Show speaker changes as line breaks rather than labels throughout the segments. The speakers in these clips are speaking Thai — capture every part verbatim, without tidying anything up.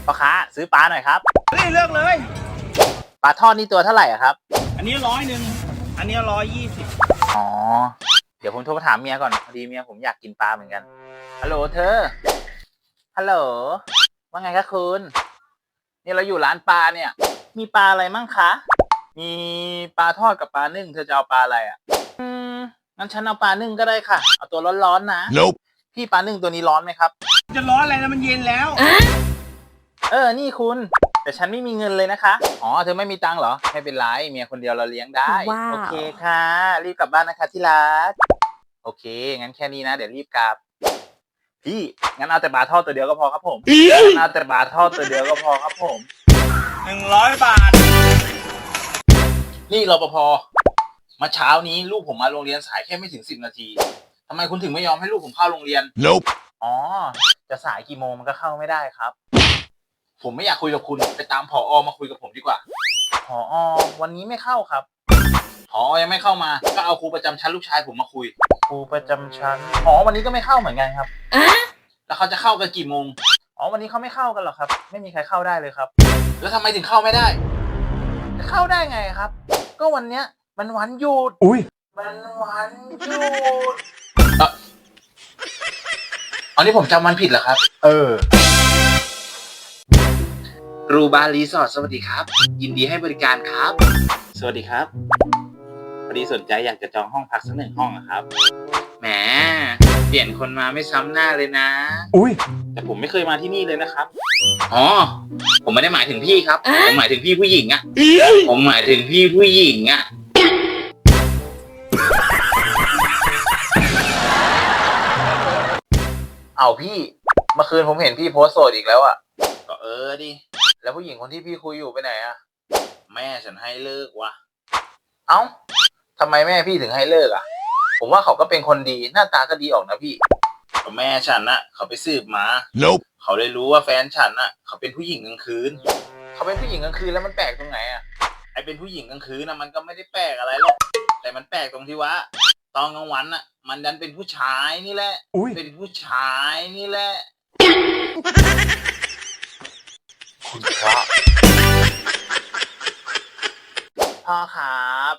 พ่อค้าซื้อปลาหน่อยครับ
เฮ้ยเลือกเลย
ปลาทอดนี่ตัวเท่าไหร่อะครับ
อันนี้ร้อยหนึ่งอันนี้ร้อยยี่สิบ
อ๋อเดี๋ยวผมโทรไปถามเมียก่อนพอดีเมียผมอยากกินปลาเหมือนกันฮัลโหลเธอฮัลโหลว่าไงคะคุณนี่เราอยู่ร้านปลาเนี่ยมีปลาอะไรมั่งคะมีปลาทอดกับปลานึ่งเธอจะเอาปลาอะไรอ่ะอืมงั้นฉันเอาปลานึ่งก็ได้ค่ะเอาตัวร้อนๆนะ
nope.
พี่ปลานึ่งตัวนี้ร้อนไหมครับ
จะร้อนอะไรนะมันเย็นแล้ว
เออนี่คุณแต่ฉันไม่มีเงินเลยนะคะอ๋อเธอไม่มีตังค์เหรอไม่เป็นไรเมียคนเดียวเราเลี้ยงได้
wow.
โอเคค่ะรีบกลับบ้านนะคะที่รักโอเคงั้นแค่นี้นะเดี๋ยวรีบกลับพี่งั้นเอาแต่ปลาทอดตัวเดียวก็พอครับผมงั้นเอาแต่ปลาทอดตัวเดียวก็พอครับผม
หนึ่งร้อยบาท
นี่รปภมาเช้านี้ลูกผมมาโรงเรียนสายแค่ไม่ถึงสิบนาทีทำไมคุณถึงไม่ยอมให้ลูกผมเข้าโรงเรียน
nope.
อ๋อจะสายกี่โมงมันก็เข้าไม่ได้ครับผมไม่อยากคุยกับคุณไปตามผอ.มาคุยกับผมดีกว่าผอ.วันนี้ไม่เข้าครับผอ.ยังไม่เข้ามาก็เอาครูประจำชั้นลูกชายผมมาคุยครูประจำชั้นอ๋อวันนี้ก็ไม่เข้าเหมือนกันครับแล้วเขาจะเข้ากันกี่โมงอ๋อวันนี้เขาไม่เข้ากันหรอกครับไม่มีใครเข้าได้เลยครับแล้วทำไมถึงเข้าไม่ได้จะเข้าได้ไงครับก็วันเนี้ยมันวันหยุด
อุ้ย
มันวันหยุดเอออันนี้ผมจำวันผิดเหรอครับเออรูบารีสอร์ทสวัสดีครับยินดีให้บริการครับสวัสดีครับพอดีสนใจอยากจะจองห้องพักสักหนึ่งห้องครับแหมเปลี่ยนคนมาไม่ซ้ำหน้าเลยนะ
อุ้ย
แต่ผมไม่เคยมาที่นี่เลยนะครับอ๋อผมไม่ได้หมายถึงพี่ครับผมหมายถึงพี่ผู้หญิงอะผมหมายถึงพี่ผู้หญิงอะเอาพี่เมื่อคืนผมเห็นพี่โพสต์โสดอีกแล้วอะก็เออดิแล้วผู้หญิงคนที่พี่คุยอยู่ไปไหนอะแม่ฉันให้เลิกวะเอ้าทำไมแม่พี่ถึงให้เลิกอะผมว่าเขาก็เป็นคนดีหน้าตาก็ดีออกนะพี่ก็แม่ฉันนะเขาไปสืบมา
nope.
เขาเลยรู้ว่าแฟนฉันน่ะเขาเป็นผู้หญิงกลางคืนเขาเป็นผู้หญิงกลางคืนแล้วมันแปลกตรงไหนอ่ะไอเป็นผู้หญิงกลางคืนนะมันก็ไม่ได้แปลกอะไรหรอกแต่มันแปลกตรงที่ว่าตอนกลางวันน่ะมันดันเป็นผู้ชายนี่แหละเป็นผู้ชายนี่แหละคุณพระพ่อครับ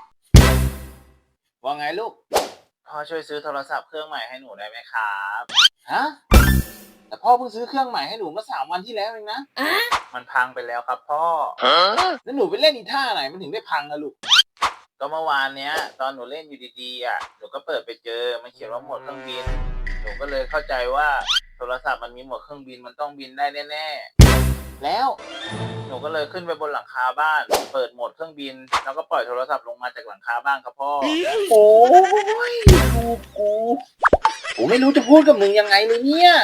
ว่าไงลูกพ่อช่วยซื้อโทรศัพท์เครื่องใหม่ให้หนูได้ไหมครับฮะแต่พ่อเพิ่งซื้อเครื่องใหม่ให้หนูเมื่อสามวันที่แล้วเองนะมันพังไปแล้วครับพ่อแล้วหนูไปเล่นอีท่าไหนมันถึงได้พังอะลูกก็เมื่อวานเนี้ยตอนหนูเล่นอยู่ดีๆอ่ะหนูก็เปิดไปเจอมันเขียนว่าโหมดเครื่องบินหนูก็เลยเข้าใจว่าโทรศัพท์มันมีโหมดเครื่องบินมันต้องบินได้แน่ๆแล้วหนูก็เลยขึ้นไปบนหลังคาบ้านเปิดโหมดเครื่องบินแล้วก็ปล่อยโทรศัพท์ลงมาจากหลังคาบ้านครับพ่อโอ้ยลูกกูผมไม่รู้จะพูดกับมึงยังไงเลยเนี่ย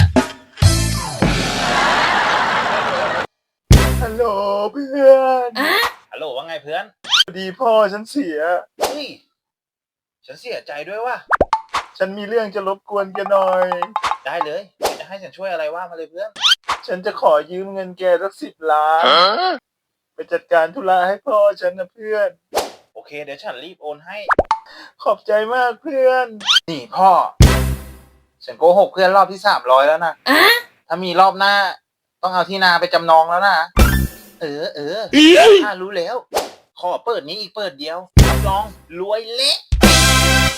ฮัลโหลเพื่อนฮัลโหลว่าไงเพื่อนพอดีพ่อฉันเสียเฮ้ยฉันเสียใจด้วยว่ะฉันมีเรื่องจะรบกวนแกหน่อยได้เลยจะให้ฉันช่วยอะไรว่ามาเลยเพื่อนฉันจะขอยืมเงินแกสักสิบล้านไปจัดการธุระให้พ่อฉันนะเพื่อนโอเคเดี๋ยวฉันรีบโอนให้ขอบใจมากเพื่อนนี่พ่อฉันโกหกเพื่อนรอบที่สามร้อยแล้วนะถ้ามีรอบหน้าต้องเอาที่นาไปจำนองแล้วนะเออเออถ้ารู้แล้วขอเปิดนี้อีกเปิดเดียวรับรองรวยเละ